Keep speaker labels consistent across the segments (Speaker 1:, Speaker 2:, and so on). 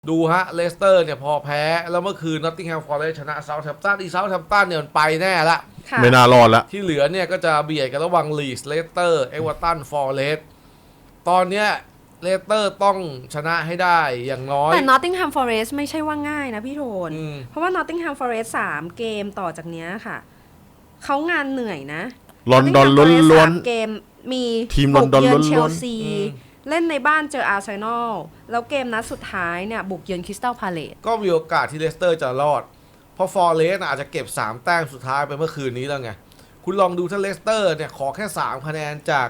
Speaker 1: ดูฮะเลสเตอร์เนี่ยพอแพ้แล้วเมื่อคืนนอตติงแฮมฟอเรสต์ชนะเซาท์แฮมป์ตันเซาท์แฮมป์ตันเนี่ยมันไปแน่ละ
Speaker 2: ไม่น่ารอดละ
Speaker 1: ที่เหลือเนี่ยก็จะเบียดกันระหว่างลีสเลสเตอร์เอเวอร์ตันฟอเรสต์ตอนเนี้ยเลสเตอร์ต้องชนะให้ได้อย่างน้อย
Speaker 3: แต่ Nottingham Forest ไม่ใช่ว่าง่ายนะพี่โทน เพราะว่า Nottingham Forest 3 เกมต่อจากเนี้ยค่ะเขางานเหนื่อยนะ
Speaker 2: ลอนดอนล้วน
Speaker 3: ๆเกมมี
Speaker 2: ทีมลอนดอนล้วนๆ
Speaker 3: เชลซีเล่นในบ้านเจออาร์เซนอลแล้วเกมนัดสุดท้ายเนี่ยบุกเยือนคริสตัลพาเลซ
Speaker 1: ก็มีโอกาสที่เลสเตอร์จะรอดเพราะฟอเรสต์อาจจะเก็บ3แต้มสุดท้ายไปเมื่อคืนนี้แล้วไงคุณลองดูถ้าเลสเตอร์เนี่ยขอแค่3คะแนนจาก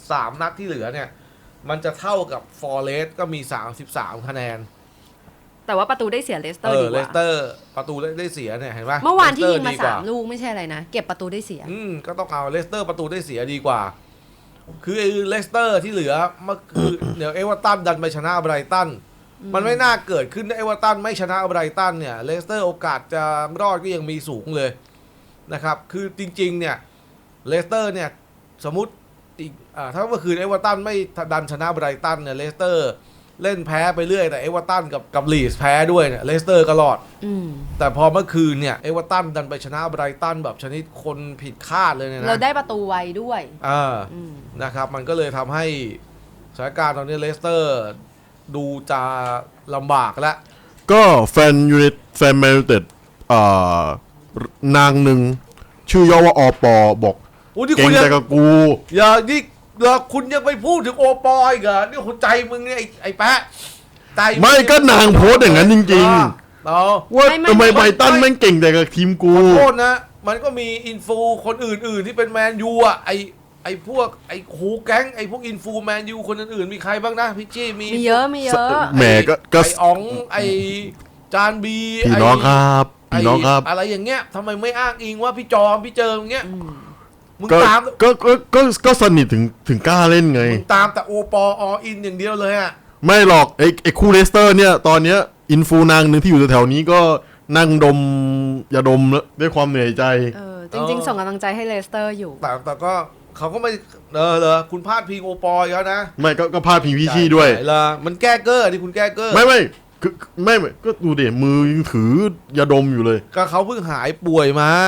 Speaker 1: 3นัดที่เหลือเนี่ยมันจะเท่ากับฟอเรสต์ก็มี33คะแนน
Speaker 3: แต่ว่าประตูได้เสียเลสเตอร์ดีกว่า
Speaker 1: เลสเตอร์ประตูได้เสียเนี่ยเห็นไหม
Speaker 3: เมื่อวานที่ยิงมา3ลูกไม่ใช่อะไรนะเก็บประตูได้เสีย
Speaker 1: ก็ต้องเอาเลสเตอร์ประตูได้เสียดีกว่าคือเลสเตอร์ที่เหลือมันคือเดี๋ยวเอเวอร์ตันดันไปชนะไบรตันมันไม่น่าเกิดขึ้นเอเวอร์ตันไม่ชนะไบรตันเนี่ยเลสเตอร์โอกาสจะรอดก็ยังมีสูงเลยนะครับคือจริงๆเนี่ยเลสเตอร์เนี่ยสมมติอีกถ้าเมื่อคืนเอเวอร์ตันไม่ดันชนะไบรตันเนี่ยเลสเตอร์เล่นแพ้ไปเรื่อยแต่เอเวอร์ตันกับลีสแพ้ด้วยเนี่ยเลสเตอร์ก็รอดแต่พอเมื่อคืนเนี่ยเอเวอร์ตันดันไปชนะไบรตันแบบชนิดคนผิดคาดเลยนะ
Speaker 3: เราได้ประตูไวด้วย
Speaker 1: นะครับมันก็เลยทำให้สถานการณ์ตอนนี้เลสเตอร์ดูจะลำบากแล้ว
Speaker 2: ก็แฟนยูไนเต็ดแฟนแมนยูไนเต็ดนางหนึ่งชื่อย่อว่าอปบอกเก่งแต่กับกู
Speaker 1: อย่านี่คุณยังไปพูดถึงโอปอยอีกเหรอนี่หัวใจมึงเนี่ยไอ้แปะใจ
Speaker 2: ไม่ก็นางโพสอย่างนั้นจริงๆว่าทำไมไบรตันแม่งเก่งแต่กับทีมกู
Speaker 1: ขอโทษนะมันก็มีอินฟูคนอื่นๆที่เป็นแมนยูอ่ะไอ้พวกไอ้หูแก๊งไอ้พวกอินฟูแมนยูคนอื่นๆมีใครบ้างนะพี่จี้
Speaker 3: มีเยอะ
Speaker 2: แหมก็
Speaker 1: ไอ้อ๋องไอ้จานบี
Speaker 2: พี่น้องครับพี่น้องครับ
Speaker 1: อะไรอย่างเงี้ยทำไมไม่อ้างอิงว่าพี่จอมพี่เจิมเงี้ยมึงตาม
Speaker 2: ก็สนิทถึงกล้าเล่นไง
Speaker 1: มึงตามแต่โอปออินอย่างเดียวเลยอ่ะ
Speaker 2: ไม่หรอกไอ้คู่เลสเตอร์เนี่ยตอนเนี้ยอินฟูนางหนึ่งที่อยู่แถวๆนี้ก็นั่งดมยาดมด้วยความเหนื่อยใจ
Speaker 3: จริงๆส่งกำลังใจให้เลสเตอร์อยู่
Speaker 1: แต่ก็เขาก็ไม่คุณพลาดพิงโอปอแล้วนะ
Speaker 2: ไม่ก็พลาดพิงพี่ชี่ด้วย
Speaker 1: มันแก้เกอร์ที่คุณแก้เกอร์
Speaker 2: ไม่คือไม่ก็ดูเดี๋ยมือยังถือยาดมอยู่เลย
Speaker 1: ก็เขาเพิ่งหายป่วยมา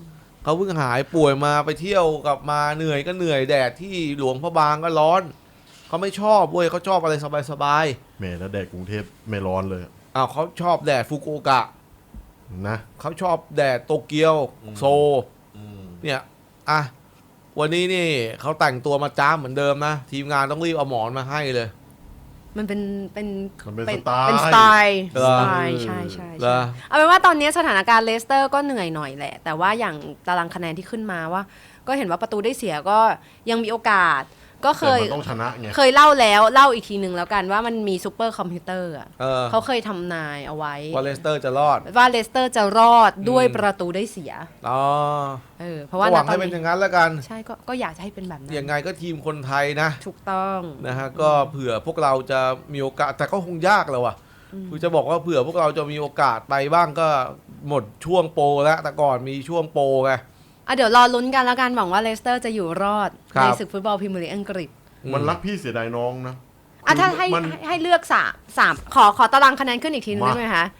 Speaker 1: ไปเที่ยวกลับมาเหนื่อยก็เหนื่อยแดดที่หลวงพระบางก็ร้อนเขาไม่ชอบเว้ยเขาชอบอะไรสบาย
Speaker 2: ๆแม่แล้วแดดกรุงเทพไม่ร้อนเลย
Speaker 1: เขาชอบแดดฟุกุโอกะ
Speaker 2: นะ
Speaker 1: เขาชอบแดดโตเกียวโซเนี่ยวันนี้นี่เขาแต่งตัวมาจ้าเหมือนเดิมนะทีมงานต้องรีบเอาหมอนมาให้เลย
Speaker 3: มันเป็น
Speaker 2: สไต
Speaker 3: ล์ใช่เอาเป็นว่าตอนนี้สถานการณ์เลสเตอร์ก็เหนื่อยหน่อยแหละแต่ว่าอย่างตารางคะแนนที่ขึ้นมาว่าก็เห็นว่าประตูได้เสียก็ยังมีโอกาสก็เคย
Speaker 2: ต้องชนะไง
Speaker 3: เคยเล่าอีกทีหนึ่งแล้วกันว่ามันมีซูเปอร์คอมพิวเตอร์เขาเคยทำนายเอาไว้
Speaker 1: ว่าเลสเตอร์จะรอด
Speaker 3: ด้วยประตูได้เสียเพราะว่า
Speaker 1: หวังให้เป็นอย่างนั้นแล้วกัน
Speaker 3: ใช่ก็อยากจะให้เป็นแบบนั้น
Speaker 1: ยังไงก็ทีมคนไทยนะ
Speaker 3: ถูกต้อง
Speaker 1: นะฮะก็เผื่อพวกเราจะมีโอกาสแต่ก็คงยากแล้วคือจะบอกว่าเผื่อพวกเราจะมีโอกาสไปบ้างก็หมดช่วงโปรแล้วแต่ก่อนมีช่วงโปรไง
Speaker 3: เดี๋ยวรอลุ้นกันแล้วกันหวังว่าเลสเตอร์จะอยู่รอดในศึกฟุตบอลพรีเมียร์ลีกอังกฤษ
Speaker 2: มันรักพี่เสียดายน้องนะ
Speaker 3: ถ้าให้เลือกสามขอตารางคะแนนขึ้นอีกทีนึงได้ไหมคะ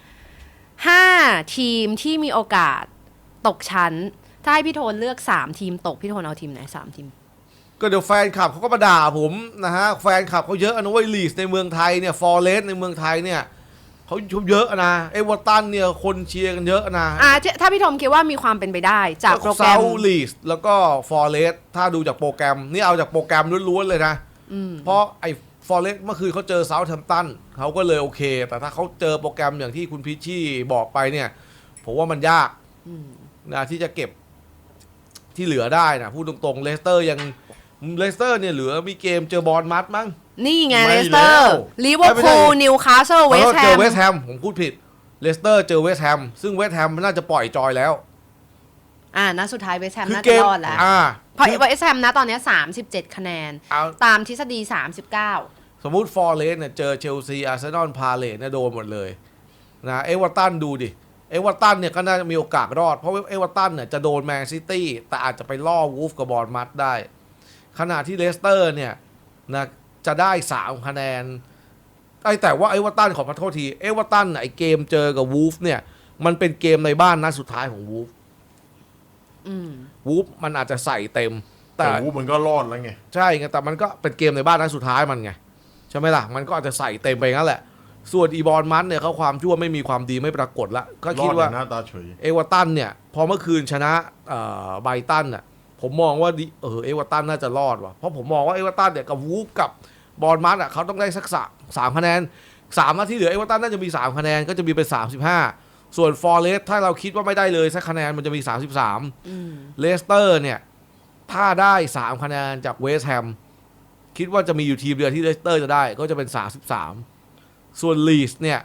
Speaker 3: 5 ทีมที่มีโอกาสตกชั้นถ้าให้พี่โทนเลือก3 ทีมตกพี่โทนเอาทีมไหน3 ทีม
Speaker 1: ก็เดี๋ยวแฟนคลับเขาก็มาด่าผมนะฮะแฟนคลับเขาเยอะนะเว้ยลีสในเมืองไทยเนี่ยฟอเรสต์ในเมืองไทยเนี่ยเขาชมเยอะนะเอเวอร์ตันเนี่ยคนเชียร์กันเยอะนะ
Speaker 3: ถ้าพี่ทอมคิดว่ามีความเป็นไปได้จากโปรแกรม
Speaker 1: เซาท์ลีสแล้วก็ฟอเรสต์ถ้าดูจากโปรแกรมนี่เอาจากโปรแกรมล้วนๆเลยนะเพราะไอ้ฟอเรสต์เมื่อคืนเขาเจอเซาท์แฮมป์ตันเขาก็เลยโอเคแต่ถ้าเขาเจอโปรแกรมอย่างที่คุณพิชชี่บอกไปเนี่ยผมว่ามันยากนะที่จะเก็บที่เหลือได้นะพูดตรงๆเลสเตอร์เนี่ยเหลือมีเกมเจอบอลมัดมั้ง
Speaker 3: นี่ไงเลสเตอร์ลิเวอร์พูลนิวคาสเซิลเวสต์แฮม
Speaker 1: เจอเวสต์แฮมผมพูดผิดเลสเตอร์เจอเวสต์แฮมซึ่งเวสต์แฮมน่าจะปล่อยจอยแล้ว
Speaker 3: นัดสุดท้ายเวสต์แฮมน่าจะรอดแล้วเพราะเวสต์แฮมนะตอนนี้37คะแนนตามทฤษฎี39
Speaker 1: สมมุติฟอร์เรสต์เนี่ยเจอเชลซีอาร์เซนอลพาเลทเนี่ยโดนหมดเลยนะเอเวอร์ตันดูดิเอเวอร์ตันเนี่ยก็น่าจะมีโอกาสรอดเพราะเอเวอร์ตันเนี่ยจะโดนแมนซิตี้แต่อาจจะไปล่อวูฟกับบอร์นมัธได้ขณะที่เลสเตอร์เนี่ยนะจะได้3คะแนนแต่ว่าเอเวอร์ตันขอโทษทีเอเวอร์ตันไอเกมเจอกับวูฟเนี่ยมันเป็นเกมในบ้านนัดสุดท้ายของวูฟ วูฟมันอาจจะใส่เต็มแต่
Speaker 2: แต่วูฟมันก็รอดแล้วไง
Speaker 1: ใช่ไงแต่มันก็เป็นเกมในบ้านนัดสุดท้ายมันไงใช่ไหมล่ะมันก็อาจจะใส่เต็มไปงั้นแหละส่วนอีบอลมันเนี่ยเขาความชั่วไม่มีความดีไม่ปรากฏละก็
Speaker 2: ร
Speaker 1: คิ
Speaker 2: อ
Speaker 1: ด
Speaker 2: ด
Speaker 1: ว่า
Speaker 2: อย่างหน้าตาเฉย
Speaker 1: เอเวอร์ตันเนี่ยพอเมื่อคืนชนะไบรตันน่ะผมมองว่าเอเวอร์ตันน่าจะรอดว่ะเพราะผมมองว่าเอเวอร์ตันเนี่ยกับวูฟกับบอลมันอ่ะเขาต้องได้สักสามคะแนน3นัดที่เหลือเอเวอร์ตันน่าจะมี3คะแนนก็จะมีเป็น35ส่วนฟอร์เรสถ้าเราคิดว่าไม่ได้เลยสักคะแนนมันจะมี33เลสเตอร์เนี่ยถ้าได้3คะแนนจากเวสต์แฮมคิดว่าจะมีอยู่ทีมเดียวที่เลสเตอร์จะได้ก็จะเป็น33ส่วนลีสเนี่ย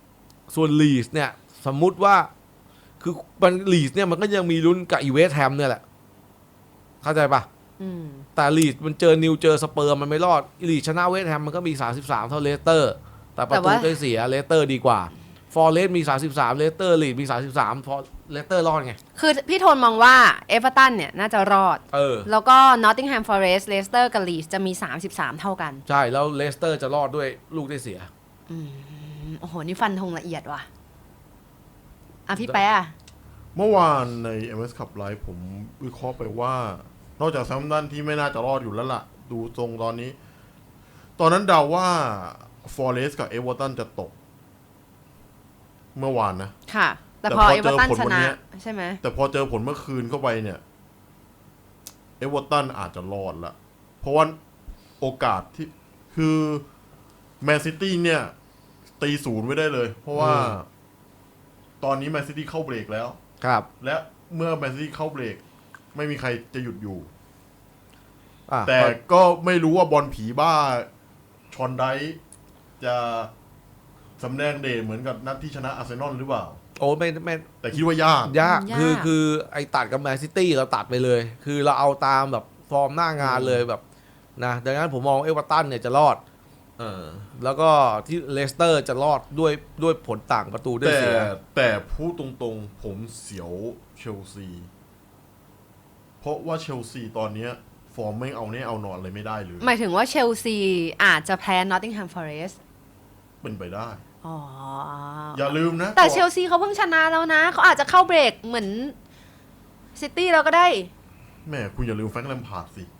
Speaker 1: สมมุติว่าคือมันลีสเนี่ยมันก็ยังมีลุ้นกับอีเวสต์แฮมเนี่ยแหละเข้าใจปะแต่ลีสมันเจอนิวเจอสเปอร์มันไม่รอดลีสชนะเวสต์แฮมมันก็มี33เท่าเลสเตอร์แต่ประตูได้เสียเลสเตอร์ดีกว่าฟอร์เรสมี33เลสเตอร์ลีดมี33พอเลสเตอร์รอดไง
Speaker 3: คือพี่โทนมองว่าเอเวอร์ตันเนี่ยน่าจะรอดแล้วก็นอตติงแฮมฟอเรสต์เลสเตอร์กับลีดจะมี33เท่ากัน
Speaker 1: ใช่แล้วเลสเตอร์จะรอดด้วยลูกได้เสีย
Speaker 3: โอ้โหนี่ฟันธงละเอียดว่ะพี่แป๊ะ
Speaker 2: เมื่อวานใน MS Cup Live ผมวิเคราะห์ไปว่า นอกจากแซมตันที่ไม่น่าจะรอดอยู่แล้วล่ะ ดูทรงตอนนี้ ตอนนั้นเดาว่าฟอร์เรสกับเอเวอร์ตันจะตก เมื่อวานนะ
Speaker 3: ค่ะ แต่พอเอเวอร์ตันชนะใช่ไหม
Speaker 2: แต่พอเจอผลเมื่อคืนเข้าไปเนี่ยเอเวอร์ตันอาจจะรอดละเพราะว่าโอกาสที่คือแมนซิตี้เนี่ยตี0ไว้ได้เลย เพราะว่าตอนนี้แมนซิตี้เข้าเบรกแล้ว
Speaker 1: ครับ
Speaker 2: และเมื่อแมนซิตี้เข้าเบรกไม่มีใครจะหยุดอยู่แต่ก็ไม่รู้ว่าบอลผีบ้าชอนไดจะสำแดงเดชเหมือนกับนัดที่ชนะอาร์เซนอลหรือเปล่า
Speaker 1: โอ้ไม่
Speaker 2: แต่คิดว่ายาก
Speaker 1: คือไอ้ตัดกับแมนซิตี้เราตัดไปเลย คือเราเอาตามแบบฟอร์มหน้างานเลยแบบนะดังนั้นผมมองเอเวอร์ตันเนี่ยจะรอดแล้วก็ที่เลสเตอร์จะรอดด้วยผลต่างประตูได้เสีย
Speaker 2: แต่พูดตรงๆผมเสียวเชลซีเพราะว่าเชลซีตอนนี้ฟอร์มไม่เอาแน่เอานอนเลยไม่ได้เลย
Speaker 3: หมายถึงว่าเชลซีอาจจะแพ้นอตติงแฮมฟอเรสต์
Speaker 2: เป็นไปได้
Speaker 3: อ๋อ
Speaker 2: อย่าลืมนะ
Speaker 3: แต่เชลซีเขาเพิ่งชนะแล้วนะเขาอาจจะเข้าเบรกเหมือนซิตี้เราก็ได้
Speaker 2: แม่คุณอย่าลืมแฟรงค์แลมพาร์ดสิ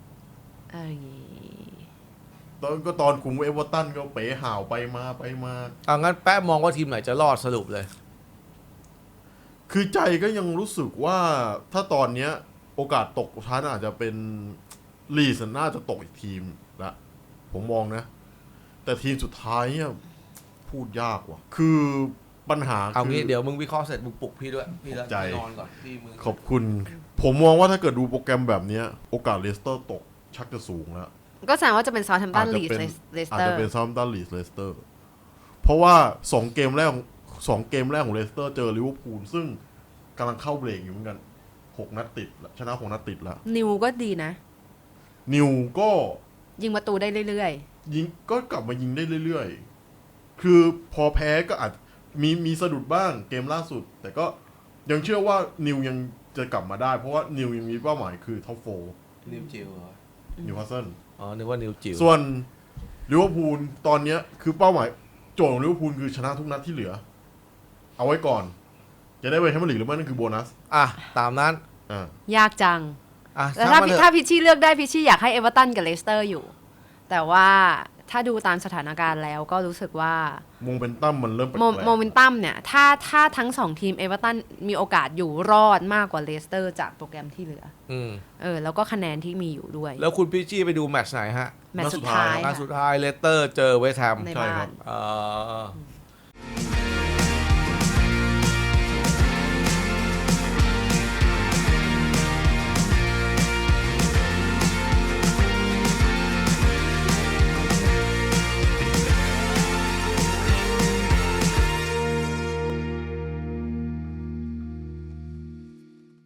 Speaker 2: ตอนคุมเอเวอร์ตันก็เป๋ห่าวไปมา
Speaker 1: งั้นแป๊ะมองว่าทีมไหนจะรอดสรุปเลย
Speaker 2: คือใจก็ยังรู้สึกว่าถ้าตอนเนี้ยโอกาสตกชั้นอาจจะเป็นลีสน่าจะตกอีกทีมละผมมองนะแต่ทีมสุดท้ายเนี่ยพูดยากว่ะคือปัญหา
Speaker 1: เอางี้เดี๋ยวมึงวิเคราะห์เสร็จมึงปลุกพี่ด้วยพี่แล้วนอนก่อนพี่มึง
Speaker 2: ขอบคุณผมมองว่าถ้าเกิดดูโปรแกรมแบบนี้โอกาสเลสเตอร์ตกชักจะสูงแล้ว
Speaker 3: ก็แสดงว่าจะเป็นซาท์แฮมป์ตันลีดเลสเตอร์
Speaker 2: อาจจะเป็นซาท์แฮมป์ตันลีดเลสเตอร์เพราะว่า2เกมแรกของเลสเตอร์เจอลิเวอร์พูลซึ่งกำลังเข้าเบรกอยู่เหมือนกัน6นัดติดชนะ6นัดติดแล้ว
Speaker 3: นิวก็ดีนะ
Speaker 2: นิวก็
Speaker 3: ยิงประตูได้เรื่อย
Speaker 2: ๆยิงก็กลับมายิงได้เรื่อยๆคือพอแพ้ก็อาจมีสะดุดบ้างเกมล่าสุดแต่ก็ยังเชื่อว่านิวยังจะกลับมาได้เพราะว่านิวยังมีเป้าหมายคือท็อป4
Speaker 1: นิวจิว
Speaker 2: นิวคาสเซิล
Speaker 1: นึกว่านิวจิว
Speaker 2: ส่วนลิเวอร์พูลตอนนี้คือเป้าหมายโจทย์ของลิเวอร์พูลคือชนะทุกนัดที่เหลือเอาไว้ก่อนจะได้ไปแชมเปี้ยนลีกหรือไม่นั่นคือโบนัส
Speaker 1: ตามนั้น
Speaker 3: ยากจังแต่ถ้าพิชชี่เลือกได้พิชชี่อยากให้เอเวอร์ตันกับเลสเตอร์อยู่แต่ว่าถ้าดูตามสถานการณ์แล้วก็รู้สึกว่า
Speaker 2: โมเมนตัมมันเริ่ม
Speaker 3: โมเมนตัมเนี่ยถ้าทั้ง2ทีมเอเวอร์ตันมีโอกาสอยู่รอดมากกว่าเลสเตอร์จากโปรแกรมที่เหลือแล้วก็คะแนนที่มีอยู่ด้วย
Speaker 1: แล้วคุณพิชชี่ไปดูแมตช์ไหนฮะ
Speaker 3: แมตช์สุดท้าย
Speaker 1: เลสเตอร์เจอเวสต์แฮม
Speaker 3: ใช่ครับ